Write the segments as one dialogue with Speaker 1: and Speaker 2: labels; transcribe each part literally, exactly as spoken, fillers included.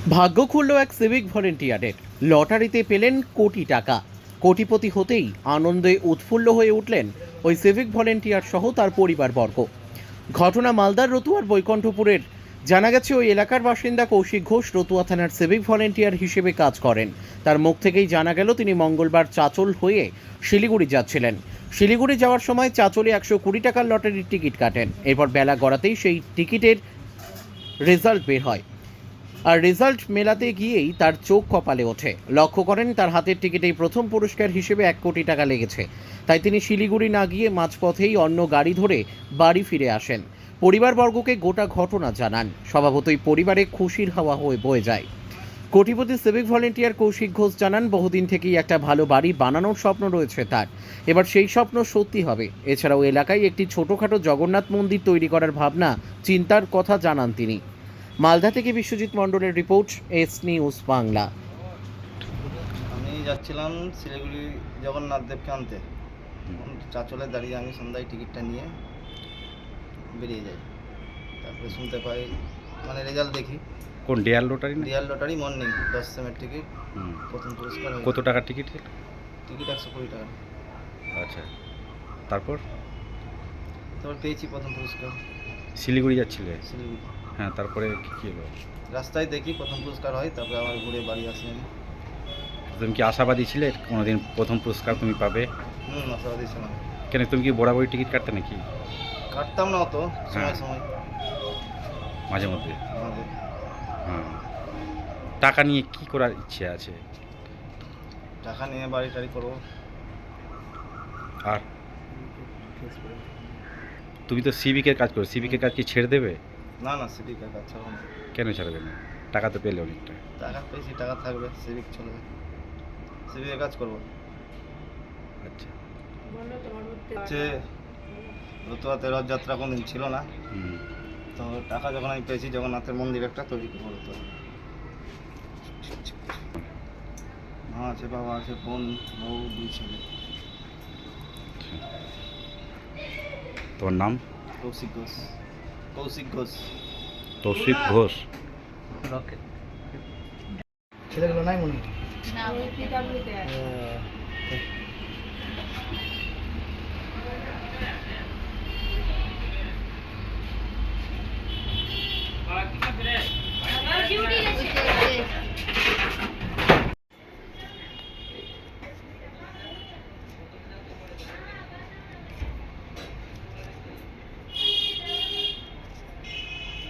Speaker 1: ভাগ্য খুলল এক সিভিক ভলেন্টিয়ারের। লটারিতে পেলেন কোটি টাকা। কোটিপতি হতেই আনন্দে উৎফুল্ল হয়ে উঠলেন ওই সিভিক ভলেন্টিয়ার সহ তার পরিবারবর্গ। ঘটনা মালদার রতুয়ার বৈকণ্ঠপুরের। জানা গেছে ওই এলাকার বাসিন্দা কৌশিক ঘোষ রতুয়া থানার সিভিক ভলেন্টিয়ার হিসেবে কাজ করেন। তার মুখ থেকেই জানা গেল তিনি মঙ্গলবার চাচল হয়ে শিলিগুড়ি যাচ্ছিলেন। শিলিগুড়ি যাওয়ার সময় চাচলে একশো কুড়ি টাকার লটারির টিকিট কাটেন। এরপর বেলা গড়াতেই সেই টিকিটের রেজাল্ট বের হয়। আর রেজাল্ট মেলাতে গিয়েই তার চোখ কপালে ওঠে। লক্ষ্য করেন তার হাতের টিকিটেই প্রথম পুরস্কার হিসেবে এক কোটি টাকা লেগেছে। তাই তিনি শিলিগুড়ি না গিয়ে মাঝপথেই অন্য গাড়ি ধরে বাড়ি ফিরে আসেন। পরিবারবর্গকে গোটা ঘটনা জানান। স্বভাবতই পরিবারে খুশির হাওয়া হয়ে বয়ে যায়। কোটিপতি সিভিক ভলেন্টিয়ার কৌশিক ঘোষ জানান, বহুদিন থেকেই একটা ভালো বাড়ি বানানোর স্বপ্ন রয়েছে তার। এবার সেই স্বপ্ন সত্যি হবে। এছাড়াও এলাকায় একটি ছোটোখাটো জগন্নাথ মন্দির তৈরি করার ভাবনা চিন্তার কথা জানান তিনি। মালদা থেকে বিশ্বজিৎ মণ্ডলের রিপোর্ট, এস নিউজ বাংলা।
Speaker 2: আমি যাচ্ছিলাম শিলিগুড়ি জগন্নাথ দেবকে আনতে। চাচলে দাঁড়িয়ে আমি সন্ধ্যায় টিকিটটা নিয়ে বেরিয়ে যাই। তারপরে শুনতে পাই, মানে রেজাল্ট দেখি।
Speaker 3: কোন ডিয়ার লটারি না?
Speaker 2: রিয়াল লটারি মর্নিং দশ সেমের টিকিট, প্রথম পুরস্কার হয়েছে।
Speaker 3: কত টাকার টিকিট?
Speaker 2: টিকিট একশো কুড়ি টাকা।
Speaker 3: আচ্ছা, তারপর
Speaker 2: তারপর পেয়েছি প্রথম পুরস্কার।
Speaker 3: শিলিগুড়ি যাচ্ছিলে?
Speaker 2: শিলিগুড়ি।
Speaker 3: হ্যাঁ, তারপরে কী কী হলো?
Speaker 2: রাস্তায় দেখি প্রথম পুরস্কার হয়, তারপরে আবার ঘুরে বাড়ি আসি আমি।
Speaker 3: তুমি কি আশাবাদী ছিলে কোনোদিন প্রথম পুরস্কার তুমি পাবে?
Speaker 2: হুম, আশাবাদী ছিলাম।
Speaker 3: কেন, তুমি কি বরাবরই টিকিট কাটতে নাকি?
Speaker 2: কাটতাম না অত, সময়
Speaker 3: হ্যাঁ।
Speaker 2: সময়
Speaker 3: মাঝে মধ্যে?
Speaker 2: আমাদের
Speaker 3: হ্যাঁ। টাকা নিয়ে কি করার ইচ্ছে আছে?
Speaker 2: টাকা নিয়ে বাড়ি টাড়ি করবো।
Speaker 3: আর তুমি তো সিভিকের কাজ করো, সিভিকের কাজ কি ছেড়ে দেবে?
Speaker 2: না না, সিভিকের কাজ ছাড়বো না।
Speaker 3: কেন ছাড়বে না? টাকা তো পেলে অনেকটা।
Speaker 2: টাকা পেয়েছি, টাকা থাকবে, সিভিক চলবে, সিভিকের কাজ করবো।
Speaker 3: আচ্ছা।
Speaker 2: হচ্ছে রতুয়াতে রথযাত্রা কোনদিন ছিল না,
Speaker 3: হুম।
Speaker 2: তো টাকা যখন আমি পেয়েছি জগন্নাথের মন্দির একটা তৈরি করবো। রতুয়া মা আছে, বাবা আছে, বোন, বউ, দুই ছেলে।
Speaker 3: তোমার নাম?
Speaker 2: কৌশিক ঘোষ। কৌশিক ঘোষ।
Speaker 3: তৌশিক ঘোষ।
Speaker 2: ছেলেগুলো নাই মনে হয়।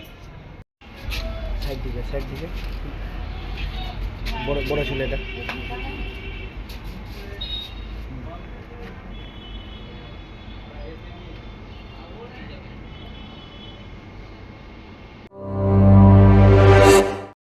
Speaker 2: সাইড দিকে, সাইড দিকে, বড় বড় ছেলেটা।